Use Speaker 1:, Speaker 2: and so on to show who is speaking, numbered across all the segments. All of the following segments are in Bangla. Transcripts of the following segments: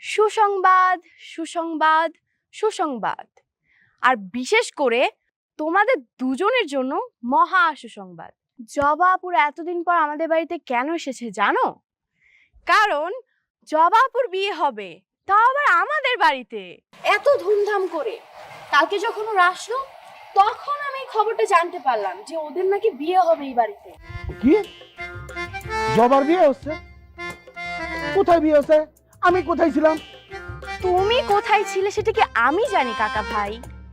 Speaker 1: সুসংবাদ সুসংবাদ সুসংবাদ, আর বিশেষ করে তোমাদের দুজনের জন্য মহা সুসংবাদ। জবা আপুর এতদিন পর আমাদের বাড়িতে কেন এসেছে জানো? কারণ জবা আপুর বিয়ে হবে, তাও আবার আমাদের বাড়িতে, এত ধুমধাম করে। কালকে যখন ওরা আসলো তখন আমি খবরটা জানতে পারলাম যে ওদের নাকি বিয়ে হবে এই বাড়িতে।
Speaker 2: কি? জবার বিয়ে হচ্ছে? কোথায় বিয়ে হচ্ছে? আমি কোথায় ছিলাম?
Speaker 1: তুমি কোথায় ছিলে সেটা কি আমি জানি কাকা ভাই?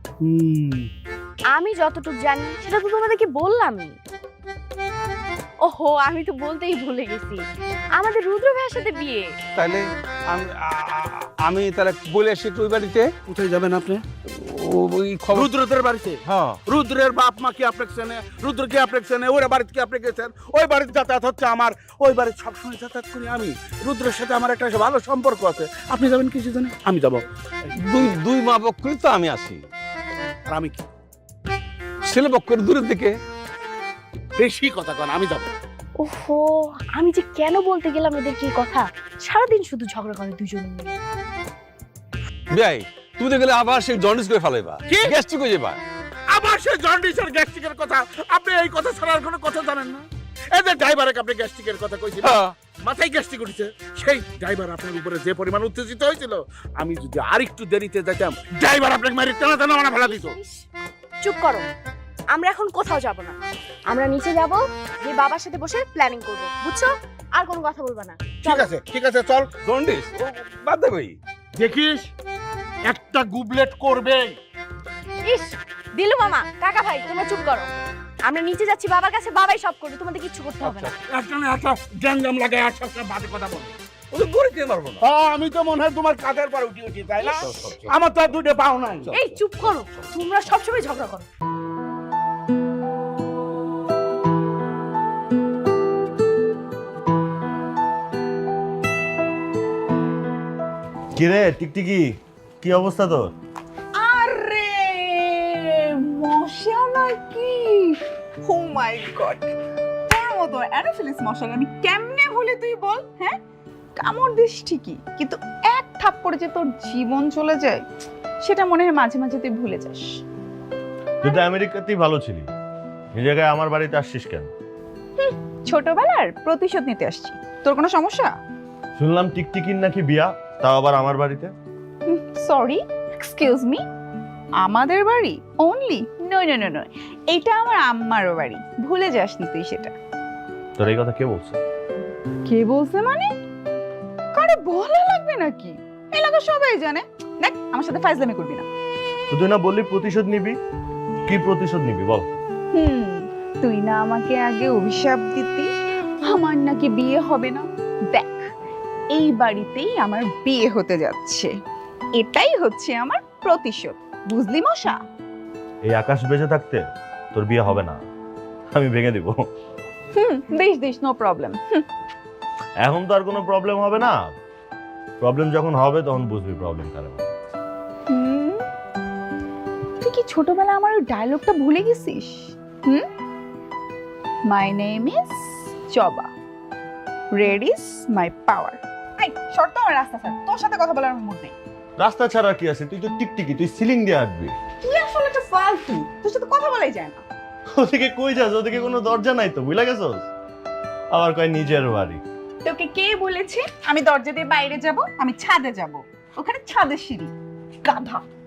Speaker 1: আমি যতটুকু জানি সেটা তো তোমাদেরকে বললামই। ওহো, আমি তো বলতেই ভুলে গেছি, আমাদের রুদ্র ভাইয়ের সাথে বিয়ে।
Speaker 3: তাহলে আমি তাহলে বলে আসি ওই বাড়িতে।
Speaker 2: কোথায় যাবেন আপনি?
Speaker 3: ওই খবর
Speaker 2: রুদ্রদের বাড়িতে?
Speaker 3: হ্যাঁ।
Speaker 2: রুদ্রের বাপ মা কি আপনাকে চেনে? রুদ্র কি আপনাকে চেনে? ওরা বাড়িতে কি আপনি গেছেন? ওই বাড়িতে যাতায়াত হচ্ছে আমার, ওই বাড়িতে সবসময় যাতায়াত করি আমি। রুদ্রের সাথে আমার একটা ভালো সম্পর্ক আছে। আপনি যাবেন কিছু জানে? আমি যাবো।
Speaker 3: দুই মা পক্ষই তো আমি আসি,
Speaker 2: আর আমি কি
Speaker 3: ছেলে পক্ষের দূরের দিকে।
Speaker 2: বেশি কথা কন, আমি যাবো।
Speaker 1: ওহো, আমি যে কেন বলতে গেলাম এদেরকে এই কথা। সারাদিন শুধু ঝগড়া করে দুজনে মিলে।
Speaker 3: ভাই তুমি তো গেলে আবার সেই জন্ডিস করে ফেলাইবা,
Speaker 2: কি?
Speaker 3: গ্যাস্ট্রিক হয়ে যাবা।
Speaker 2: আবার সে জন্ডিস আর গ্যাস্ট্রিকের কথা? আপনি এই কথা ছাড়া আর কোনো কথা জানেন না? এই যে ড্রাইভারকে আপনি গ্যাস্ট্রিকের কথা কইছিলেন,
Speaker 3: হ্যাঁ।
Speaker 2: মাথায় গ্যাস্ট্রিক উঠেছে। সেই ড্রাইভার আপনার উপরে যে পরিমাণ উত্তেজিত হয়েছিল, আমি যদি আরেকটু দেরিতে যেতাম, ড্রাইভার আপনাকে মারি টানা টানা মানে ফেলা দিত।
Speaker 1: চুপ করো, আমরা এখন কোথাও যাব না। আমরা নিচে যাব, যে বাবার সাথে বসে প্ল্যানিং করব, বুঝছো? আর কোনো কথা বলবা না।
Speaker 2: ঠিক আছে, ঠিক আছে, চল।
Speaker 3: জন্ডিস বাদ দে ভাই।
Speaker 2: দেখিস একটা গুবলেট করবে।
Speaker 1: ইস, দিলু মামা, কাকা ভাই তোমরা চুপ করো। আমরা নিচে যাচ্ছি বাবার কাছে, বাবাই সব করবে, তোমাদের কিচ্ছু করতে হবে না।
Speaker 2: একটা গ্যাঞ্জাম লাগে, আর সবসময় বাজে কথা বলে।
Speaker 3: ওদের গড়ে দিতে পারবো না।
Speaker 2: আমি তো মনে হয় তোমার কাঁধের পর উঠি, তাই না? আমার তো আর দুটো পাও নাই।
Speaker 1: এই চুপ করো, তোমরা সবসময় ঝগড়া করো।
Speaker 4: কিরে টিকটিকি, কি অবস্থা তোর?
Speaker 5: আরে মশা নাকি? ও মাই গড, তোর মতো অ্যানোফিলিস মশা আমি কেমনে ভুলি তুই বল? হ্যাঁ, কামড় দিস ঠিকই, কিন্তু এক থাপ্পড়ে যে তোর জীবন চলে যায় সেটা মনে হয় মাঝে মাঝে তুই ভুলে যাস।
Speaker 4: তুই তো আমেরিকাতেই ভালো ছিলি, এই জায়গায় আমার বাড়িতে আসছিস কেন?
Speaker 5: ছোটবেলার প্রতিশোধ নিতে আসছি। তোর কোনো সমস্যা?
Speaker 4: শুনলাম টিকটিকির নাকি বিয়া, তাও আবার আমার বাড়িতে।
Speaker 5: সরি, এক্সকিউজ মি, আমাদের বাড়ি only? No no no no, এটা আমার আম্মারও বাড়ি, ভুলে যাসনি তুই সেটা।
Speaker 4: তোর এই কথা কে বলছে?
Speaker 5: কে বলছে মানে? কারে বলা লাগবে নাকি? এলাকা সবাই জানে। দেখ, আমার সাথে ফাইজলামি করবি না।
Speaker 4: তো তুই না বললি প্রতিশোধ নিবি, কি প্রতিশোধ নিবি বল?
Speaker 5: তুই না আমাকে আগে অভিশাপ দিতি আমার নাকি বিয়ে হবে না? দেখ, এই বাড়িতেই আমার বিয়ে হতে যাচ্ছে, এটাই হচ্ছে আমার প্রতিশোধ, বুঝলি মশা?
Speaker 4: এই আকাশ বেঁচে থাকতে তোর বিয়ে হবে না, আমি ভেঙে দিব।
Speaker 5: This this, no problem.
Speaker 4: এখন তো আর কোনো প্রবলেম হবে না, প্রবলেম যখন হবে তখন বুঝবি প্রবলেম কারণ।
Speaker 5: তুই কি ছোটবেলায় আমার ওই ডায়লগটা ভুলে গেছিস? My name is Joba, red is my power. এই শর্ত আমার রাস্তা স্যার, তোর সাথে কথা বলার মুড নেই।
Speaker 4: রাস্তা ছাড়া কি আছে? তুই তো টিকটিকি, তুই সিলিং দিয়ে আঁকবি।
Speaker 5: তুই আসলে একটা ফালতু, তোর সাথে কথা বলাই যায় না।
Speaker 4: ওদিকে কই যাস? ওদিকে কোনো দরজা নাই তো, বুঝলা গেছস? আবার কয় নিজের বাড়ি।
Speaker 5: তোকে কে বলেছে আমি দরজা দিয়ে বাইরে যাব? আমি ছাদে যাব, ওখানে ছাদের সিঁড়ি, গাধা।